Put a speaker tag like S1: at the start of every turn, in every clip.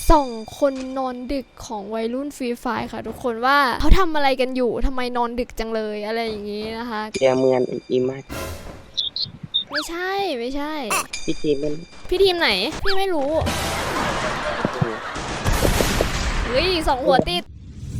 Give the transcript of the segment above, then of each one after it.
S1: ส่องคนนอนดึกของวัยรุ่นฟรีไฟร์ค่ะทุกคนว่าเขาทำอะไรกันอยู่ทำไมนอนดึกจังเลยอะไรอย่างนี้นะคะ
S2: เรียเมือนอีมาก
S1: ไม่ใช่
S2: พี่ทีมเป็น
S1: พี่ทีมไหนพี่ไม่รู้เฮ้ยสองหัวติด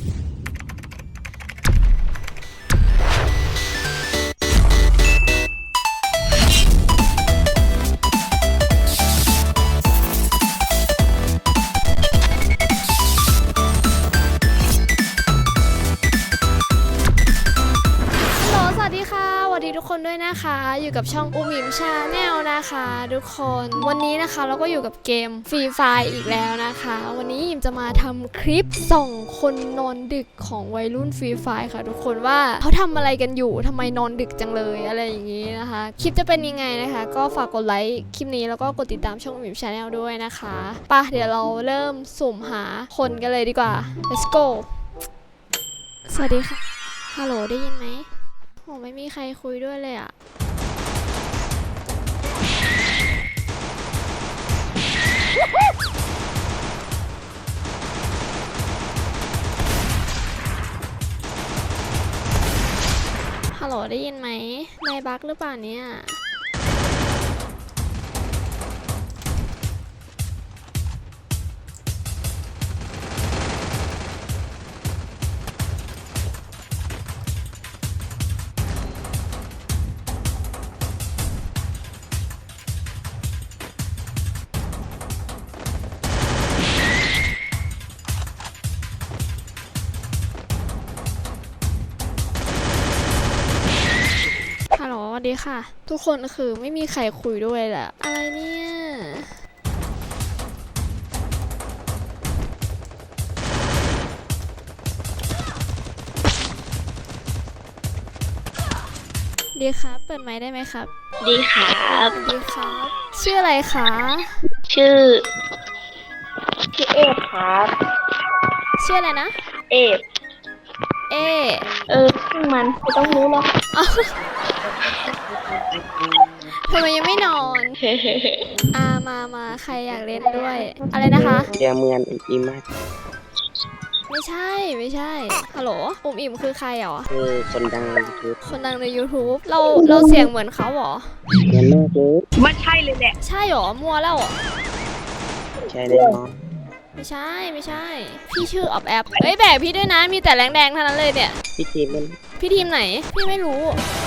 S1: สวัสดีทุกคนด้วยนะคะอยู่กับช่องอุมิมชาแนลนะคะทุกคนวันนี้นะคะเราก็อยู่กับเกมฟรีไฟร์อีกแล้วนะคะวันนี้อิมจะมาทำคลิปส่องคนนอนดึกของวัยรุ่นฟรีไฟร์ค่ะทุกคนว่าเขาทำอะไรกันอยู่ทำไมนอนดึกจังเลยอะไรอย่างนี้นะคะคลิปจะเป็นยังไงนะคะก็ฝากกดไลค์คลิปนี้แล้วก็กดติดตามช่องอุมิมชาแนลด้วยนะคะป่ะเดี๋ยวเราเริ่มสุ่มหาคนกันเลยดีกว่า let's go สวัสดีค่ะฮัลโหลได้ยินไหมโอ้ไม่มีใครคุยด้วยเลยอะฮัลโหลได้ยินไหมนายบั๊กหรือเปล่าเนี่ยฮัลโหลสวัสดีค่ะทุกคนคือไม่มีใครคุยด้วยแหละอะไรเนี่ยดีครับเปิดไมค์ได้ไหมครับ
S3: ดีครับ
S1: ดีครับชื่ออะไรคะ
S3: ชื่อเอฟครับ
S1: ชื่ออะไรนะ
S3: เอฟซึ่งมันไม่ต้องรู้หรอก
S1: ทำไมยังไม่นอนมาใครอยากเล่นด้วยอะไรนะคะ
S2: เรียเมือนอีมาก
S1: ไม่ใช่ฮัลโหลอุ๋มอิ่มคือใครหรอ
S2: คือคนดังใน YouTube
S1: คนดังใน YouTube เราเสียงเหมือนเขาหรอ
S2: เหมือนมากเลย
S3: มันใช่เลยแหละ
S1: ใช่หรอมัวแล้วหรอ
S2: ใช่แน่นอน
S1: ไม่ใช่พี่ชื่อออบแอปเฮ้ยแบกพี่ด้วยนะมีแต่แรงแดงเท่านั้นเลยเนี่ย
S2: พี่ทีมเป็น
S1: พี่ทีมไหนพี่ไม่รู้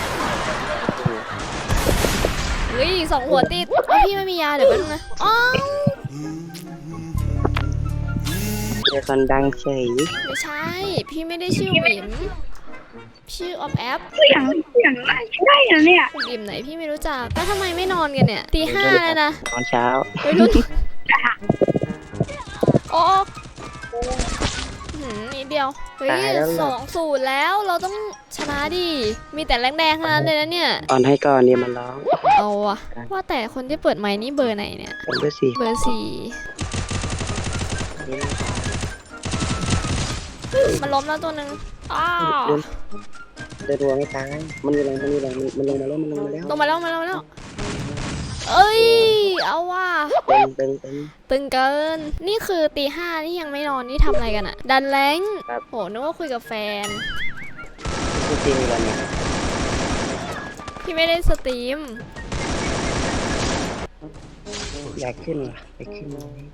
S1: เฮ้ยสองหัวติดพี่ไม่มียาเดี๋ยวแป๊บนึงนะอ๋อ
S2: เป็นคนดังเฉย
S1: ไม่ใช่พี่ไม่ได้ชื่อหมิมชื่อออฟแอป
S3: อย่างได้นะเนี่ย
S1: คุณอิ่มไหนพี่ไม่รู้จักแต่ทำไมไม่นอนกันเนี่ยตี 5แล้วนะ
S2: ตอนเช้า
S1: ไปรุ่นโอ้นิดเดียวเฮ้ย2-0แล้วเราต้องชนะดิมีแต่แรงแดงเท่านั้นเลยนะเนี่ย
S2: ตอนให้ก่อนเนี่ยมันร้อง
S1: เอาอะว่าแต่คนที่เปิดไมค์นี่เบอร์ไหนเนี่ย
S2: เบอร์ 4
S1: มันล้มแล้วตัวนึงอ้าว
S2: เดินรัวไม่ตายมันลงมาแล้ว
S1: เอ้ยเอาว่ะ
S2: ตึง
S1: ตึงเกินนี่คือตี 5นี่ยังไม่นอนนี่ทำอะไรกันอะดันแรงโหนึกว่าคุยกับแฟน
S2: พี่ทีมมีวันเนี่ย
S1: พี่ไม่ได้สตรีม
S2: อยากขึ้นว่ะไปขึ้น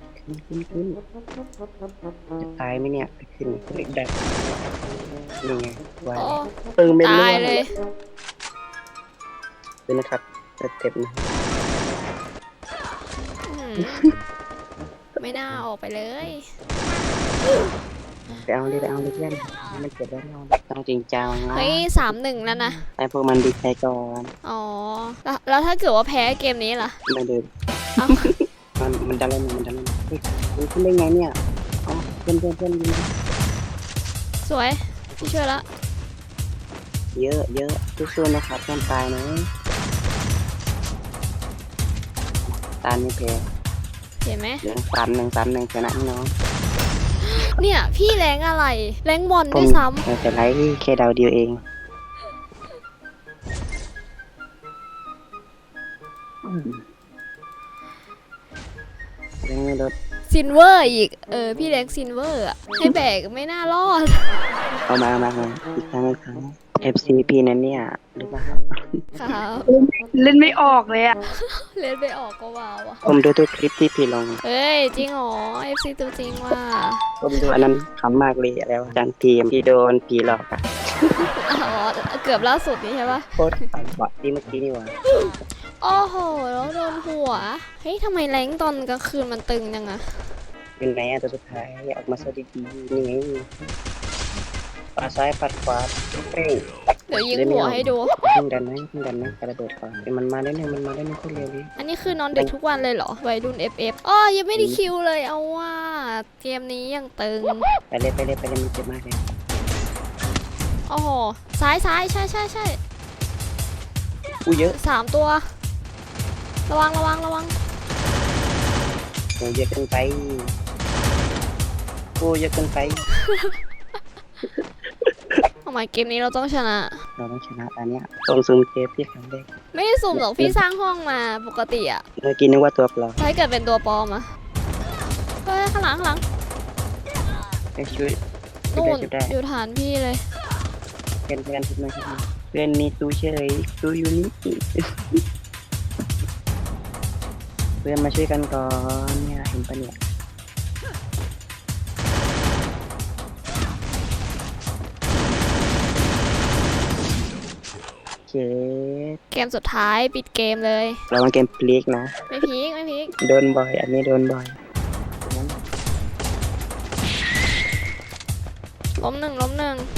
S2: จะตายไหมเนี่ยไปขึ้นเล็กแบบนี่ไงวายตึงเป็น
S1: ตายเลย
S2: เป็นนะครับเต็มนะ
S1: ไม่น่าออกไปเลย
S2: ไปเอาเลยเพื่อนไม่เก็บได้ต้องจริงจังนะ
S1: เฮ้ย3-1แล้วนะ
S2: ไอพวกมันดีใจก่อน
S1: อ๋อแล้วถ้าเกิดว่าแพ้เกมนี้ล่ะ
S2: ไม่เดินมันดันแล้วมันขึ้นได้ไงเนี่ยอ๋อเพื่อนยิง
S1: สวยพี่ช่วยละ
S2: เยอะสู้ๆนะครับเพื่อนตายนะตายไม่แพ้
S1: เห็นไหม
S2: 1-3-1ชนะน้อง
S1: เนี่ยพี่แรงอะไรแรงบอลด้วยซ้ำ
S2: แต่ไรแค่ดาวเดียวเองแรงไม่ลด
S1: ซินเวอร์อีกพี่แรงซินเวอร์อะให้แบกไม่น่ารอด
S2: เอามาอีกครั้งFCP นั้นเนี่ยหรือเปล่า
S1: ครับ
S3: เล่นไม่ออกเลยอะ
S1: เล่นไปออกก็ว้าวอะ
S2: ผมดูตัวคลิปที่พี่ลง
S1: เฮ้ยจริงเหรอ FC ตัวจริงว่ะ
S2: ผมดูอันนั้นขำมากเลยอะไรวะจานทีมที่โดนผีหลอกอะ
S1: อ๋อเกือบล่าสุดนี้ใช่ปะ
S2: โคตรฝันบอดที่เมื่อกี้นี่หว่า
S1: โอ้โหแล้วโดนหัวเฮ้ยทำไมแรงตอนกลางคืนมันตึงจังอะ
S2: เป็นไงอะตัวสุดท้ายออกมาสวัสดีๆนี่ไงปัดซ้ายปัดขวาเฮ้ย
S1: เดี๋ยวยิงหัวให้ดู
S2: พึ่งดันไหมกระโดดก่อนมันมาได้เนี่ยโคตรเร็วเลย
S1: อันนี้คือนอนดึกทุกวันเลยเหรอวัยรุ่น FF อ๋อยังไม่ได้คิวเลยเอาว่าเกมนี้ยังตึง
S2: ไปเลยมันเจ็บมากเลย
S1: โอ้โหซ้ายใช่
S2: อู้เยอะ
S1: 3 ตัว ระวัง
S2: โอ้เยอะเกินไปโอ้เยอะเกินไป
S1: ทำไมเกมนี้เราต้องชนะ
S2: เราต้องชนะตอนเนี้ยตรงซูมเกมพี่ครั้งแรก
S1: ไม่ได้สุ่มหรอกพี่สร้างห้องมาปกติอะ
S2: เมื่อกี้นึกว่าตัวปลอม
S1: ถ้าเกิดเป็นตัวปลอมอะเฮ้ยข้างหลัง
S2: ไปช่วย
S1: นู่น
S2: ได้
S1: อยู่ฐานพี่เลย
S2: เพื่อนทุกคนเพื่อนมีตู้เฉยตู้อยู่นี่ เพื่อนมาช่วยกันก่อนเนี่ยเห็นปะเนี่ยเจ๊
S1: เกมสุดท้ายปิดเกมเลย
S2: เรามาเกมพลิกนะ
S1: ไม่พีก
S2: โดนบ่อย อันนี้โดนบ่อย
S1: ล้มหนึ่ง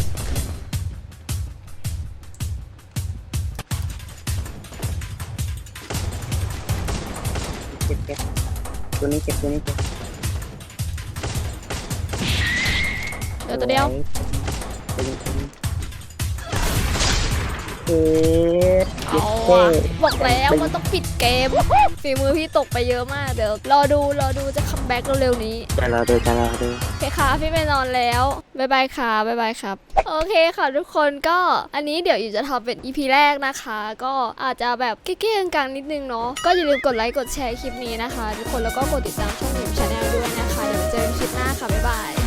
S2: เจ็บตัวนี้เจ็บ
S1: เดี๋ยวตัวเดียว เอาอะบอกแล้วมันต้องปิดเกมฝีมือพี่ตกไปเยอะมากเดี๋ยวรอดูจะคัมแบ็กเร็วๆนี้
S2: จะรอดู
S1: โอเคค่ะพี่ไปนอนแล้วบ๊ายบายครับโอเคค่ะทุกคนก็อันนี้เดี๋ยวอยู่จะทำเป็น EP แรกนะคะ ก็อาจจะแบบเก้ๆกลางๆนิดนึงเนาะก็อย่าลืมกดไลค์กดแชร์คลิปนี้นะคะ ทุกคนแล้วก็กดติดตามช่องหมิวชาแนลด้วยนะคะเดี๋ยวเจอกันคลิปหน้าค่ะบ๊ายบาย